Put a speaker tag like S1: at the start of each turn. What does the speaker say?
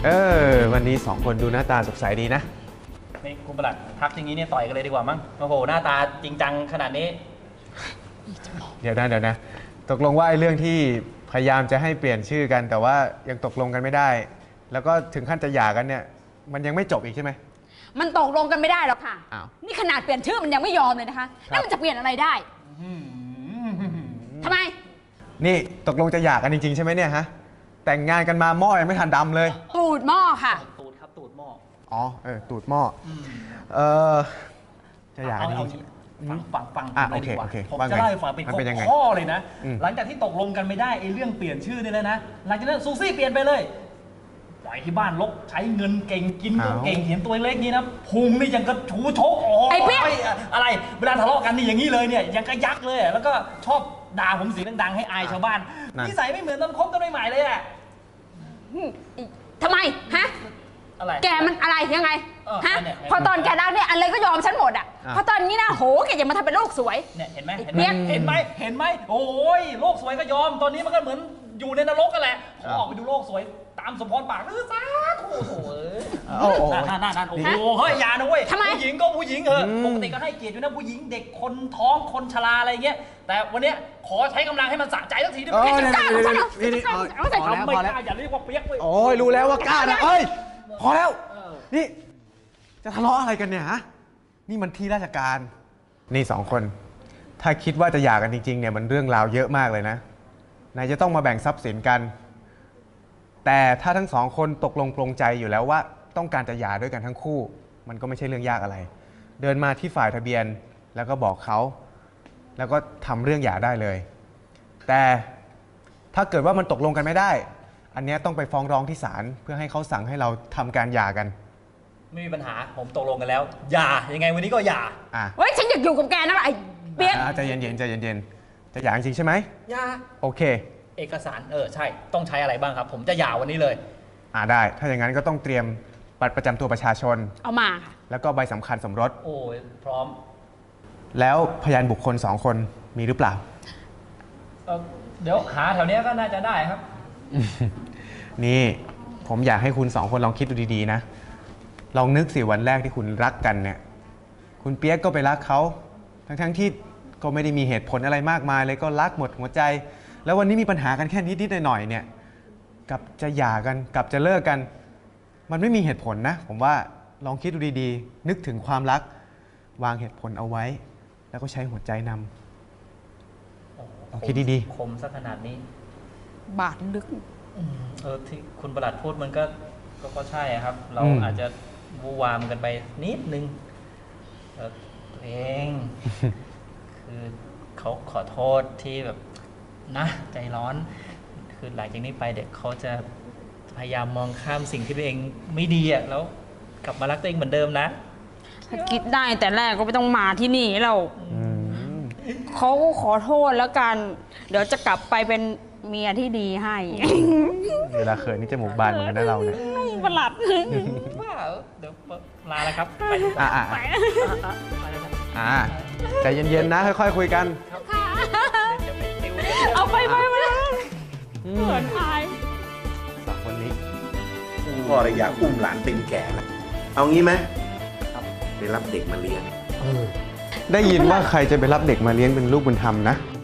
S1: วันนี้สองคนดูหน้าตาสดใสดีนะ
S2: นี่คุณประหลัดทักอย่างนี้เนี่ยต่อยกันเลยดีกว่ามั้งโอ้โหหน้าตาจริงจังขนาดนี้
S1: เดี๋ยวนะตกลงว่าไอ้เรื่องที่พยายามจะให้เปลี่ยนชื่อกันแต่ว่ายังตกลงกันไม่ได้แล้วก็ถึงขั้นจะหย่ากันเนี่ยมันยังไม่จบอีกใช่ไหม
S3: มันตกลงกันไม่ได้หรอกค่ะนี่ขนาดเปลี่ยนชื่อมันยังไม่ยอมเลยนะคะแล้วมันจะเปลี่ยนอะไรได้ทำไม
S1: นี่ตกลงจะหย่ากันจริงๆใช่ไหมเนี่ยฮะแต่งงานกันมาหม้อยังไม่ทันดำเลย
S3: ตูดหม้อค่ะ
S2: ตูดครับตูดหม้อ
S1: ตูดหม้อจะหย่ากันจริง
S2: ฟัง
S1: โอเค
S2: ผมจะเล่าให้ฟังเป็นข้อเลยนะหลังจากที่ตกลงกันไม่ได้ไอ้เรื่องเปลี่ยนชื่อนี่เลยนะหลังจากนั้นซูซี่เปลี่ยนไปเลยปล่อยที่บ้านลกใช้เงินเก่งกินก็เก่งเห็นตัวเล็กนี่นะพุงนี่ยังกระชูชก
S3: ไอ้เปี้ย
S2: อะไรเวลาทะเลาะกันนี่อย่างนี้เลยเนี่ยยังกระยักเลยแล้วก็ชอบด่าผมเสียงดังๆให้อายชาวบ้านนิสัยไม่เหมือนตอนคบกันใหม่ๆเลยอะ
S3: ทำไมฮะ
S2: อะไร
S3: แกมันอะไรยังไงฮะพอตอนแกดังเนี่ยอะไรก็ยอมฉันหมดอ่ะพอตอนนี้นะโหแกอย่ามาทำเป็นโลกสวย
S2: เนี่ยเห็นไหมโอ้ยโลกสวยก็ยอมตอนนี้มันก็เหมือนอยู่ในนรกกันแหละขอออกไปดูโลกสวยตามสมพรปากสาธุโอ้โหนั่นโอ้โหเฮ้ยอย่านะเว้ยผู้หญิงก็ผู้หญิงปกติก็ให้เกียรติอยู่นะผู้หญิงเด็กคนท้องคนชราอะไรเงี้ยแต่วันนี้ขอใช้กำลังให้มันสะใจสักทีได้ไหม
S1: กล้า
S2: ไม่กล้าอย่าเรียกว่าเปียกเว้ย
S1: โอ้ยรู้แล้วว่ากล้านะพอแล้วนี่จะทะเลาะอะไรกันเนี่ยฮะนี่มันที่ราชการนี่สองคนถ้าคิดว่าจะหย่ากันจริงๆเนี่ยมันเรื่องราวเยอะมากเลยนะนายจะต้องมาแบ่งทรัพย์สินกันแต่ถ้าทั้งสองคนตกลงปลงใจอยู่แล้วว่าต้องการจะหย่าด้วยกันทั้งคู่มันก็ไม่ใช่เรื่องยากอะไรเดินมาที่ฝ่ายทะเบียนแล้วก็บอกเขาแล้วก็ทำเรื่องหย่าได้เลยแต่ถ้าเกิดว่ามันตกลงกันไม่ได้อันนี้ต้องไปฟ้องร้องที่ศาลเพื่อให้เขาสั่งให้เราทำการหย่ากัน
S2: ไม่มีปัญหาผมตกลงกันแล้วหย่ายังไงวันนี้ก็หย่า
S3: เฮ้ยฉันอยากอยู่กับแกนะไอ้เปี๊ยก
S1: ใจเย็นจะหย่าจริงใช่ไหม
S2: หย่า
S1: โอเค
S2: เอกสารใช่ต้องใช้อะไรบ้างครับผมจะหย่าวันนี้เลย
S1: ได้ถ้าอย่างนั้นก็ต้องเตรียมบัตรประจำตัวประชาชน
S3: เอามาค่ะ
S1: แล้วก็ใบสำคัญสมรส
S2: โอ้ยพร้อม
S1: แล้วพยานบุคคล2 คนมีหรือเปล่า
S2: เดี๋ยวหาแถวนี้ก็น่าจะได้ครับ
S1: นี่ผมอยากให้คุณ2 คนลองคิดดูดีๆนะลองนึกสิวันแรกที่คุณรักกันเนี่ยคุณเปี๊ยกก็ไปรักเขาทั้งที่ก็ไม่ได้มีเหตุผลอะไรมากมายเลยก็รักหมดหัวใจแล้ววันนี้มีปัญหากันแค่นิดๆหน่อยๆเนี่ยกับจะหย่ากันกับจะเลิกกันมันไม่มีเหตุผลนะผมว่าลองคิดดูดีๆนึกถึงความรักวางเหตุผลเอาไว้แล้วก็ใช้หัวใจนำลองคิดดี
S2: ๆคมซะขนาดนี้
S3: บาดลึก
S2: ที่คุณประหลัดพูดมันก็ใช่ครับเราอาจจะวูวามกันไปนิดนึงตัวเองคือเขาขอโทษที่แบบนะใจร้อนคือหลังจากนี้ไปเด็กเขาจะพยายามมองข้ามสิ่งที่ตัวเองไม่ดีแล้วกลับมารักตัวเองเหมือนเดิมนะ
S3: ถ้าคิดได้แต่แรกก็ไม่ต้องมาที่นี่เราเขาขอโทษแล้วกันเดี๋ยวจะกลับไปเป็นเมียที่ดีให้
S1: เวลาเขินนี่จมูกบานเหมือนกันนะเราเนี่ย
S3: ประหลัด
S2: ว่าเดี๋ยวลาแล้วครับไป
S1: ใจเย็นๆนะค่อยๆคุยกัน
S3: เอาไปเหมือนอาย
S1: 2 คนนี้
S4: พ่อเลยอยากอุ้มหลานเป็นแก่แล้วเอางี้ไหมไปรับเด็กมาเลี้ยง
S1: ได้ยินว่าใครจะไปรับเด็กมาเลี้ยงเป็นลูกบุญธรรมนะ